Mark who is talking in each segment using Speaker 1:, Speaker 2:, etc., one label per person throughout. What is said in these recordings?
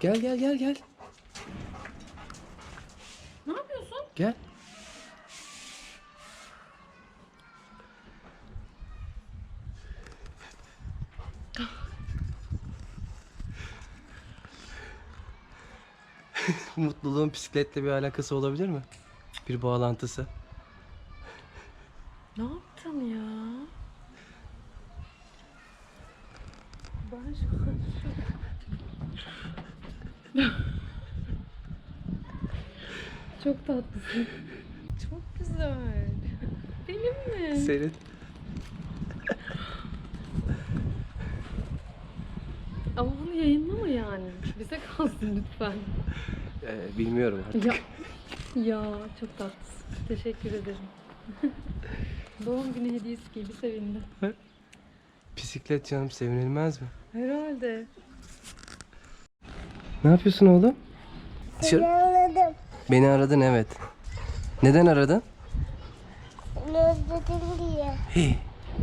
Speaker 1: Gel gel gel gel.
Speaker 2: Ne yapıyorsun?
Speaker 1: Gel. Mutluluğun bisikletle bir alakası olabilir mi? Bir bağlantısı.
Speaker 2: Ne yaptın ya? Ben şu an Çok tatlısın. Çok güzel. Benim mi?
Speaker 1: Senin.
Speaker 2: Ama bunu yayınlama yani. Bize kalsın lütfen.
Speaker 1: Bilmiyorum artık.
Speaker 2: Ya çok tatlısın. Teşekkür ederim. Doğum günü hediyesi gibi sevindim.
Speaker 1: Bisiklet canım, sevinilmez mi?
Speaker 2: Herhalde.
Speaker 1: Ne yapıyorsun oğlum?
Speaker 3: Seni aradım.
Speaker 1: Beni aradın, evet. Neden aradın?
Speaker 3: Seni özledim diye.
Speaker 1: Hey.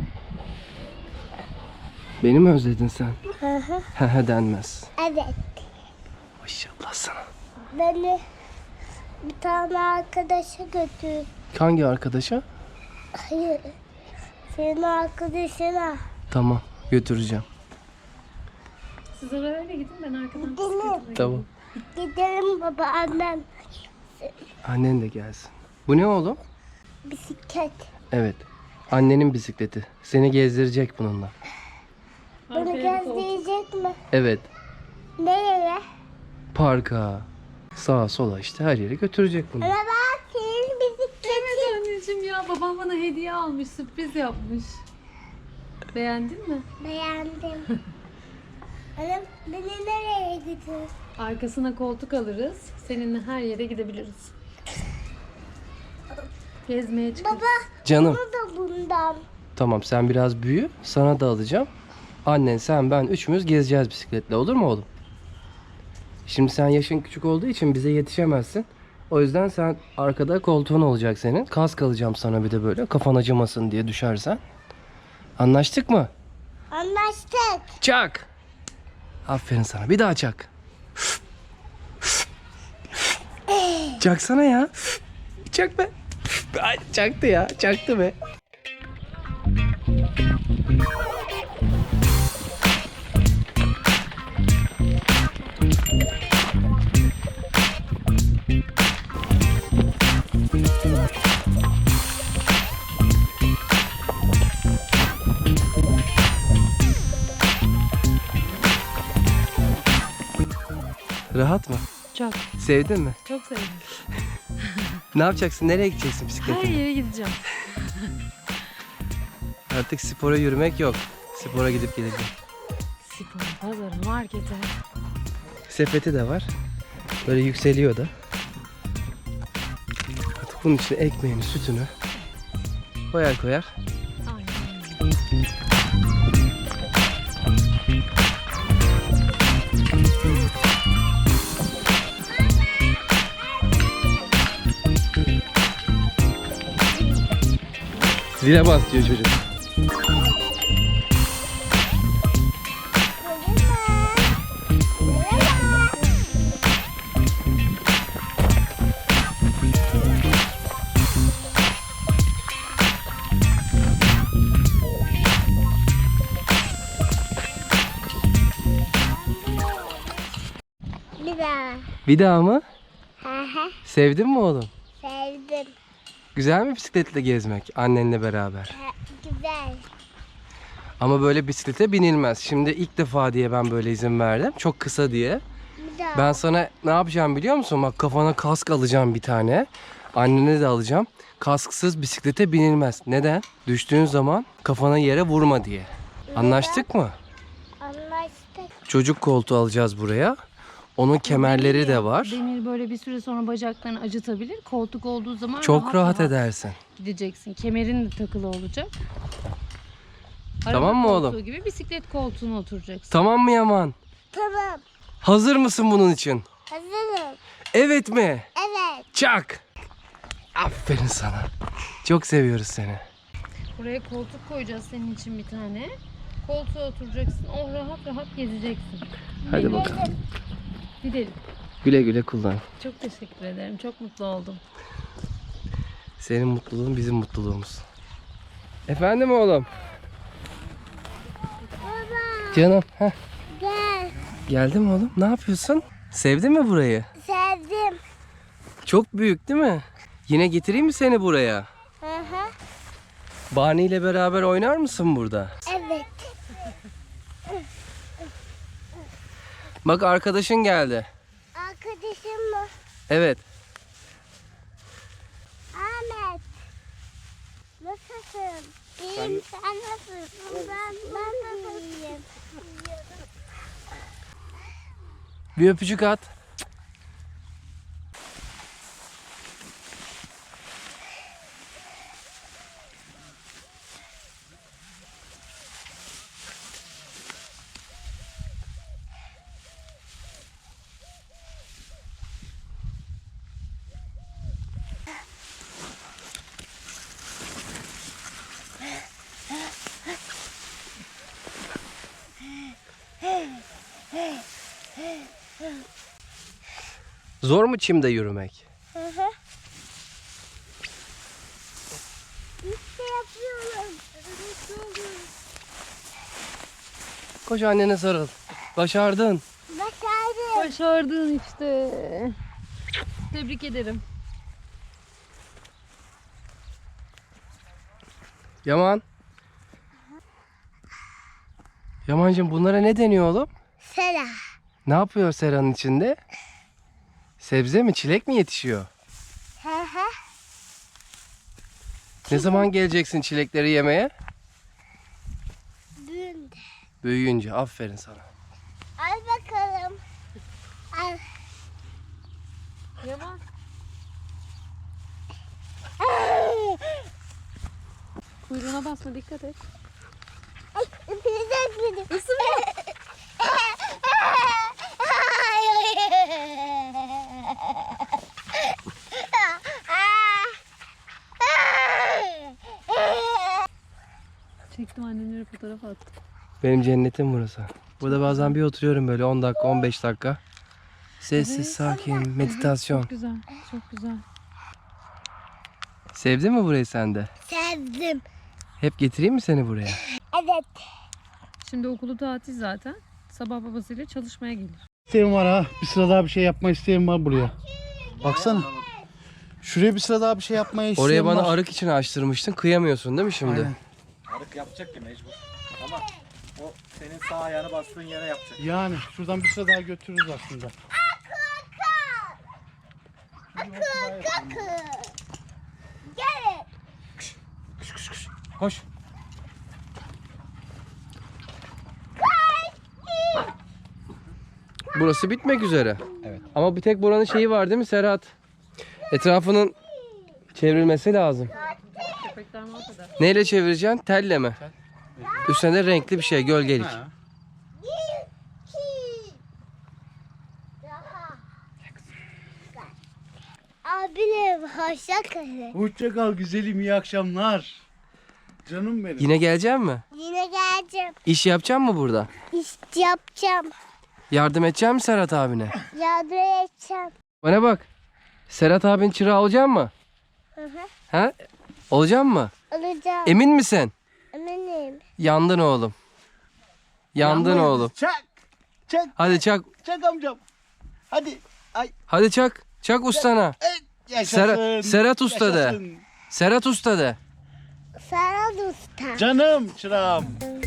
Speaker 1: Beni mi özledin sen?
Speaker 3: Hı hı.
Speaker 1: He denmez.
Speaker 3: Evet.
Speaker 1: Maşallah sana.
Speaker 3: Beni bir tane arkadaşa götür.
Speaker 1: Hangi arkadaşa?
Speaker 3: Hayır. Senin arkadaşına.
Speaker 1: Tamam, götüreceğim.
Speaker 2: Siz arabayla gidin, ben arkadan
Speaker 3: Değil mi?
Speaker 2: bisikletle
Speaker 1: Tamam.
Speaker 3: Gidelim baba annem.
Speaker 1: Annen de gelsin. Bu ne oğlum?
Speaker 3: Bisiklet.
Speaker 1: Evet. Annenin bisikleti. Seni gezdirecek bununla.
Speaker 3: Bunu
Speaker 2: Arkaya bir koltuk.
Speaker 3: gezdirecek mi?
Speaker 1: Evet.
Speaker 3: Nereye?
Speaker 1: Parka. Sağa sola işte her yere götürecek bunu.
Speaker 3: Ama bak senin bisikletin.
Speaker 2: Evet anneciğim ya, babam bana hediye almış, sürpriz yapmış. Beğendin mi?
Speaker 3: Beğendim. Annem beni nereye götür?
Speaker 2: Arkasına koltuk alırız, seninle her yere gidebiliriz. Gezmeye çıkarız.
Speaker 3: Baba
Speaker 1: Canım.
Speaker 3: bunu da bundan.
Speaker 1: Tamam, sen biraz büyü. Sana da alacağım. Annen, sen, ben üçümüz gezeceğiz bisikletle. Olur mu oğlum? Şimdi sen yaşın küçük olduğu için bize yetişemezsin. O yüzden sen arkada koltuğun olacak senin. Kask alacağım sana bir de böyle. Kafan acımasın diye düşersen. Anlaştık mı?
Speaker 3: Anlaştık.
Speaker 1: Çak. Aferin sana. Bir daha çak. Çaksana ya. Çak be. Ay, çaktı ya. Çaktı be. Rahat mı?
Speaker 2: Çok,
Speaker 1: Sevdin mi?
Speaker 2: çok sevdim.
Speaker 1: Ne yapacaksın? Nereye gideceksin
Speaker 2: Her
Speaker 1: bisikletle?
Speaker 2: yere gideceğim.
Speaker 1: Artık spora yürümek yok. Spora gidip geleceğim.
Speaker 2: Spor, pazar, markete.
Speaker 1: Sepeti de var. Böyle yükseliyor da. Artık bunun içine ekmeğini, sütünü koyar koyar.
Speaker 2: Aynen.
Speaker 1: Zile bas diyor çocuk.
Speaker 3: Bir daha.
Speaker 1: Bir daha mı?
Speaker 3: Hı hı.
Speaker 1: Sevdin mi oğlum?
Speaker 3: Sevdim.
Speaker 1: Güzel mi bisikletle gezmek annenle beraber?
Speaker 3: Güzel.
Speaker 1: Ama böyle bisiklete binilmez. Şimdi ilk defa diye ben böyle izin verdim. Çok kısa diye.
Speaker 3: Bir daha.
Speaker 1: Ben sana ne yapacağım biliyor musun? Bak, kafana kask alacağım bir tane. Annene de alacağım. Kasksız bisiklete binilmez. Neden? Düştüğün zaman kafana yere vurma diye. Anlaştık mı?
Speaker 3: Anlaştık.
Speaker 1: Çocuk koltuğu alacağız buraya. Onun kemerleri de var.
Speaker 2: Demir böyle bir süre sonra bacaklarını acıtabilir. Koltuk olduğu zaman
Speaker 1: Çok rahat edersin.
Speaker 2: gideceksin. Kemerin de takılı olacak.
Speaker 1: Tamam mı oğlum?
Speaker 2: Koltuğu gibi bisiklet koltuğuna oturacaksın.
Speaker 1: Tamam mı Yaman?
Speaker 3: Tamam.
Speaker 1: Hazır mısın bunun için?
Speaker 3: Hazırım.
Speaker 1: Evet mi?
Speaker 3: Evet.
Speaker 1: Çak. Aferin sana. Çok seviyoruz seni.
Speaker 2: Buraya koltuk koyacağız senin için bir tane. Koltuğa oturacaksın. Oh, rahat rahat gezeceksin.
Speaker 1: Hadi bakalım.
Speaker 2: Gidelim.
Speaker 1: Güle güle kullan.
Speaker 2: Çok teşekkür ederim. Çok mutlu oldum.
Speaker 1: Senin mutluluğun bizim mutluluğumuz. Efendim oğlum.
Speaker 3: Baba
Speaker 1: Canım. Heh.
Speaker 3: gel.
Speaker 1: Geldin mi oğlum? Ne yapıyorsun? Sevdin mi burayı?
Speaker 3: Sevdim.
Speaker 1: Çok büyük değil mi? Yine getireyim mi seni buraya?
Speaker 3: Hı hı.
Speaker 1: Barney ile beraber oynar mısın burada?
Speaker 3: Evet.
Speaker 1: Bak arkadaşın geldi.
Speaker 3: Arkadaşım mı?
Speaker 1: Evet.
Speaker 3: Ahmet. Nasılsın? İyiyim. Sen nasılsın? Ben de iyiyim.
Speaker 1: Bir öpücük at. Zor mu çimde yürümek?
Speaker 3: Hı hı. İşte yapıyorum.
Speaker 1: Koş annene sarıl. Başardın.
Speaker 3: Başardım.
Speaker 2: Başardın işte. Tebrik ederim.
Speaker 1: Yaman. Yamancığım bunlara ne deniyor oğlum?
Speaker 3: Sera.
Speaker 1: Ne yapıyor seranın içinde? Sebze mi, çilek mi yetişiyor?
Speaker 3: Hı hı.
Speaker 1: Ne zaman geleceksin çilekleri yemeye?
Speaker 3: Dün.
Speaker 1: Büyüyünce. Aferin sana.
Speaker 3: Al bakalım. Al.
Speaker 2: Yaman. Kuyruğuna basma, dikkat et.
Speaker 3: Ay, öpülecek beni.
Speaker 2: Isırma. Çektim, annemlere fotoğraf attım.
Speaker 1: Benim cennetim burası. Burada bazen bir oturuyorum böyle 10 dakika, 15 dakika. Sessiz,
Speaker 2: Evet.
Speaker 1: sakin, meditasyon.
Speaker 2: Çok güzel, çok güzel.
Speaker 1: Sevdin mi burayı sen de?
Speaker 3: Sevdim.
Speaker 1: Hep getireyim mi seni buraya?
Speaker 3: Evet.
Speaker 2: Şimdi okulu tatil zaten. Sabah babasıyla çalışmaya gelir.
Speaker 4: İsteğim var ha. Bir sıra daha bir şey yapma isteğim var buraya. Baksana. Şuraya bir sıra daha bir şey yapmaya isteğim
Speaker 1: Oraya bana
Speaker 4: var.
Speaker 1: arık için açtırmıştın. Kıyamıyorsun değil mi şimdi?
Speaker 4: Aynen.
Speaker 5: Arık yapacak ki mecbur. Ama o senin sağ ayağını bastığın yere yapacak.
Speaker 4: Yani şuradan bir sıra daha götürürüz aslında.
Speaker 3: Gelin.
Speaker 1: Koş. Burası bitmek üzere.
Speaker 5: Evet.
Speaker 1: Ama bir tek buranın şeyi var değil mi Serhat? Etrafının çevrilmesi lazım.
Speaker 2: Köpekler ortada.
Speaker 1: Neyle çevireceksin? Telle mi? Üstüne de renkli bir şey, gölgelik.
Speaker 4: Ha.
Speaker 3: Abilerim hoşça kalın.
Speaker 4: Hoşça kal güzelim, iyi akşamlar. Canım benim.
Speaker 1: Yine gelecek mi?
Speaker 3: Yine geleceğim.
Speaker 1: İş yapacak mı burada?
Speaker 3: İş yapacağım.
Speaker 1: Yardım edecek mi Serhat abine?
Speaker 3: Yardım edeceğim.
Speaker 1: Bana bak. Serhat abin çırağı olacak mı?
Speaker 3: Hı hı.
Speaker 1: Ha? Olacak mı?
Speaker 3: Alacağım.
Speaker 1: Emin misin?
Speaker 3: Eminim.
Speaker 1: Yandın oğlum. Yandın
Speaker 4: Yanmayız.
Speaker 1: oğlum.
Speaker 4: Çak. Çak.
Speaker 1: Hadi çak.
Speaker 4: Çak amcam. Hadi. Ay.
Speaker 1: Hadi çak. Çak ustana.
Speaker 4: Yaşasın.
Speaker 1: Serhat Usta de.
Speaker 4: Yaşasın.
Speaker 1: Serhat Usta de.
Speaker 3: Serhat Usta.
Speaker 4: Canım çırağım.